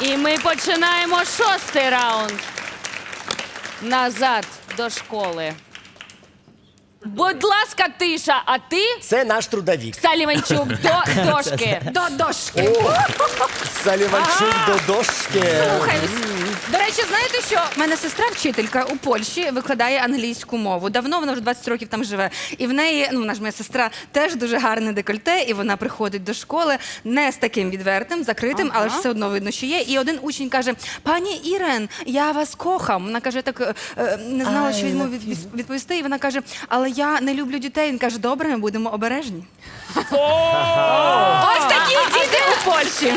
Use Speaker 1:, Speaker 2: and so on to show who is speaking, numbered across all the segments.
Speaker 1: І ми починаємо 6-й раунд. Назад до школи. Будь ласка, тиша, а ти,
Speaker 2: Це наш трудовік.
Speaker 1: Саліванчук, до дошки.
Speaker 3: До дошки.
Speaker 2: Саліванчук до дошки.
Speaker 3: Слухай, до речі, знаєте що? У мене сестра вчителька у Польщі викладає англійську мову. Давно, вона вже 20 років там живе. І в неї, вона ж моя сестра, теж дуже гарне декольте, і вона приходить до школи не з таким відвертим, закритим, але ж все одно видно, що є. І один учень каже: пані Ірен, я вас кохам. Вона каже, так не знала, що йому відповісти. І вона каже: але я не люблю дітей. Він каже: добре, ми будемо обережні. Ось такі діти у Польщі.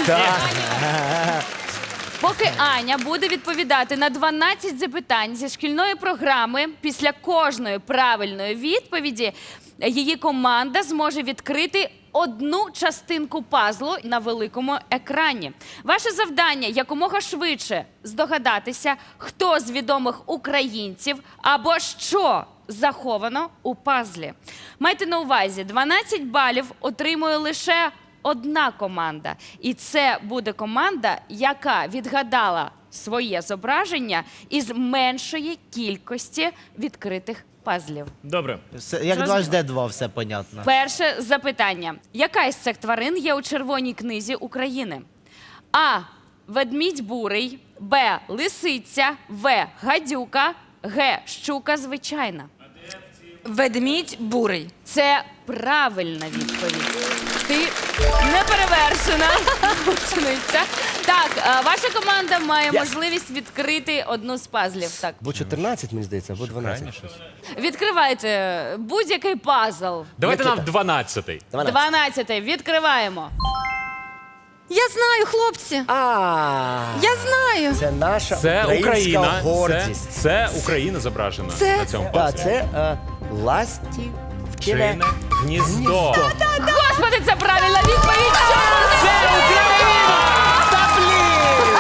Speaker 1: Поки Аня буде відповідати на 12 запитань зі шкільної програми, після кожної правильної відповіді її команда зможе відкрити одну частинку пазлу на великому екрані. Ваше завдання – якомога швидше здогадатися, хто з відомих українців або що заховано у пазлі. Майте на увазі, 12 балів отримує лише одна команда. І це буде команда, яка відгадала своє зображення із меншої кількості відкритих пазлів.
Speaker 4: Добре.
Speaker 5: Як 2 все понятно.
Speaker 1: Перше запитання. Яка із цих тварин є у Червоній книзі України? А. Ведмідь бурий. Б. Лисиця. В. Гадюка. Г. Щука звичайна.
Speaker 3: Ведмідь бурий.
Speaker 1: Це правильна відповідь. Ти неперевершена учениця. Так, ваша команда має можливість відкрити одну з пазлів. Так.
Speaker 2: Бо 14, мені здається, або 12.
Speaker 1: Відкривайте будь-який пазл.
Speaker 4: Давайте нам
Speaker 2: Микита.
Speaker 4: 12-й.
Speaker 1: 12-й. Відкриваємо.
Speaker 3: Я знаю, хлопці. Я знаю.
Speaker 2: Це наша
Speaker 4: Це
Speaker 2: українська
Speaker 4: Україна.
Speaker 2: гордість.
Speaker 4: Це Україна зображена
Speaker 3: Це-
Speaker 4: на цьому
Speaker 2: Так,
Speaker 4: пазлі.
Speaker 2: це ластівкине
Speaker 4: Пчине гніздо.
Speaker 1: Господи, це правильна відповідь!
Speaker 4: Це Україна!
Speaker 2: Та блін!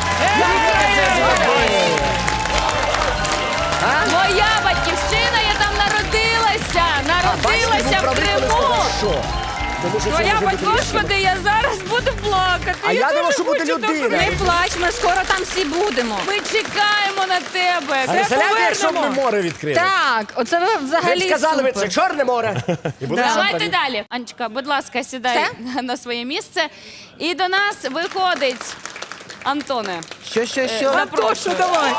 Speaker 1: Моя батьківщина, я там народилася! Народилася в Криму!
Speaker 2: Тому що це
Speaker 1: Твоя
Speaker 2: може бути
Speaker 1: Господи, я зараз буду плакати.
Speaker 2: А я думав,
Speaker 1: дуже
Speaker 2: що буде
Speaker 1: хочу
Speaker 2: людина.
Speaker 3: Не плач, ми скоро там всі будемо.
Speaker 1: Ми чекаємо на тебе.
Speaker 2: А представляєте, якщо б ми море відкрили?
Speaker 3: Так, оце ви
Speaker 2: Ми б
Speaker 3: взагалі
Speaker 2: сказали,
Speaker 3: супер.
Speaker 2: це Чорне море. І були
Speaker 1: Давайте
Speaker 2: шампані.
Speaker 1: далі. Анечка, будь ласка, сідай на своє місце. І до нас виходить Антоне.
Speaker 5: Що?
Speaker 1: Запрошую.
Speaker 3: давай.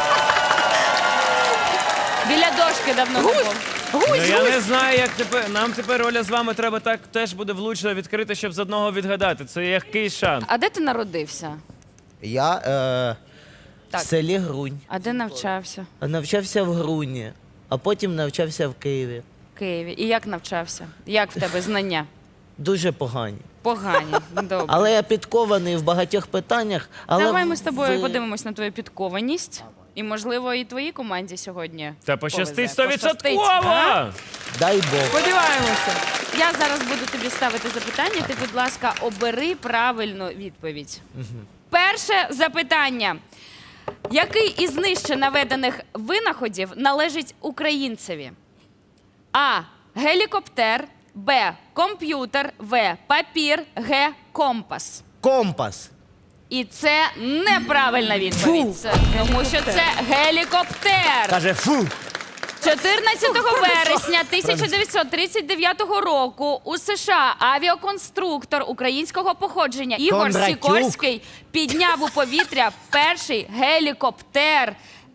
Speaker 1: Біля дошки давно не був.
Speaker 6: Ну, я не знаю, як тепер. Нам тепер Оля з вами треба так теж буде влучно відкрити, щоб з одного відгадати. Це який шанс?
Speaker 1: А де ти народився?
Speaker 5: Я
Speaker 1: Так.
Speaker 5: в селі Грунь.
Speaker 1: А де навчався?
Speaker 5: Навчався в Груні, а потім навчався в Києві.
Speaker 1: В Києві. І як навчався? Як в тебе знання?
Speaker 5: Дуже погані.
Speaker 1: Погані. Добре.
Speaker 5: Але я підкований в багатьох питаннях. Але
Speaker 1: Давай ми з тобою
Speaker 5: ви-
Speaker 1: подивимось на твою підкованість. І, можливо, і твоїй команді сьогодні.
Speaker 6: Та пощастить
Speaker 1: повезе.
Speaker 6: 100%!
Speaker 5: Дай Бог.
Speaker 1: Сподіваємося. Я зараз буду тобі ставити запитання. Ти, будь ласка, обери правильну відповідь. Перше запитання. Який із нижче наведених винаходів належить українцеві? А. Гелікоптер. Б. Комп'ютер. В. Папір. Г. Компас.
Speaker 5: Компас.
Speaker 1: І це неправильна відповідь. Тому що це гелікоптер.
Speaker 2: Каже, фу.
Speaker 1: 14 вересня 1939 року у США авіаконструктор українського походження Ігор
Speaker 5: Кондратюк.
Speaker 1: Сікорський підняв у повітря перший гелікоптер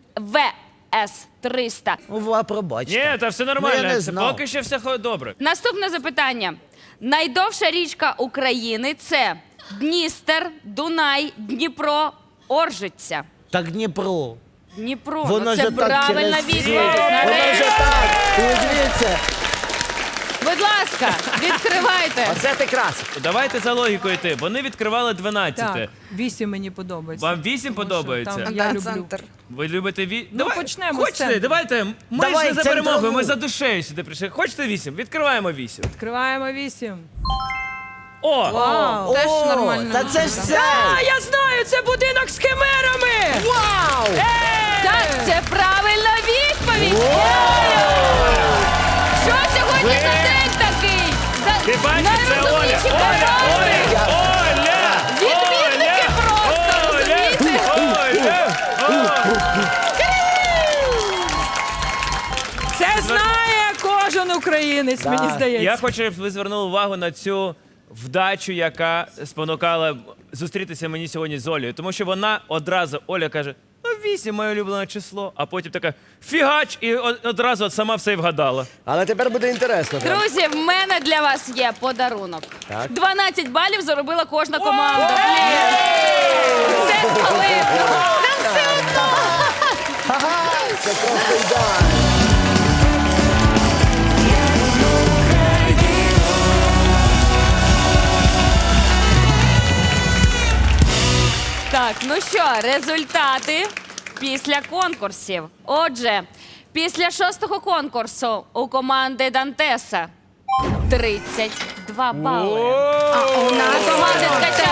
Speaker 1: ВС-300.
Speaker 5: Пробачте.
Speaker 6: Ні, та все
Speaker 5: Ну, я
Speaker 6: нормально.
Speaker 5: не
Speaker 6: Це
Speaker 5: знав.
Speaker 6: поки що все добре.
Speaker 1: Наступне запитання. Найдовша річка України – це Дністер, Дунай, Дніпро, Оржиця.
Speaker 5: Так Дніпро.
Speaker 1: Дніпро.
Speaker 5: Воно
Speaker 1: Ну,
Speaker 5: ж
Speaker 1: це
Speaker 5: так
Speaker 1: правильна
Speaker 5: через
Speaker 1: відповідь.
Speaker 5: Воно ж
Speaker 1: Нарешті.
Speaker 5: так. Дивіться.
Speaker 1: Будь ласка, відкривайте.
Speaker 2: Оце ти крас.
Speaker 6: Давайте за логікою йти. Вони відкривали 12.
Speaker 7: Так, 8 мені подобається.
Speaker 6: Вам 8
Speaker 7: Тому що
Speaker 6: подобається?
Speaker 7: там я люблю.
Speaker 6: Ви любите
Speaker 7: почнемо з
Speaker 6: Хочете?
Speaker 7: центру.
Speaker 6: Давайте. Ми
Speaker 5: Давай,
Speaker 6: ж не за перемогою,
Speaker 5: центрову.
Speaker 6: ми за душею сюди прийшли. Хочете 8? Відкриваємо 8.
Speaker 7: Відкриваємо 8.
Speaker 6: О!
Speaker 7: Вау!
Speaker 3: Теж
Speaker 5: О,
Speaker 3: нормально.
Speaker 5: Та це ж все.
Speaker 7: Я знаю, це будинок з химерами!
Speaker 5: Вау!
Speaker 1: Так, це правильна відповідь. Що сьогодні за день такий?
Speaker 6: Ти бачиш, це Оля!
Speaker 1: Найрозумніші
Speaker 6: Оля!
Speaker 1: команди.
Speaker 6: Оля! Оля!
Speaker 1: Відмінники просто,
Speaker 6: Оля!
Speaker 7: українець,
Speaker 2: Да.
Speaker 7: мені здається.
Speaker 6: Я хочу, щоб ви звернули увагу на цю вдачу, яка спонукала зустрітися мені сьогодні з Олею. Тому що вона одразу, Оля каже, ну 8 моє улюблене число, а потім така фігач, і одразу от сама все і вгадала.
Speaker 2: Але тепер буде інтересно. прям.
Speaker 1: Друзі, в мене для вас є подарунок.
Speaker 2: Так.
Speaker 1: 12 балів заробила кожна команда. Блін. Це спалив.
Speaker 2: Це просто ідеально.
Speaker 1: Так, ну що, результати після конкурсів. Отже, після 6-го конкурсу у команди Дантеса 32 бали.
Speaker 3: А у нас
Speaker 1: У команди Ткача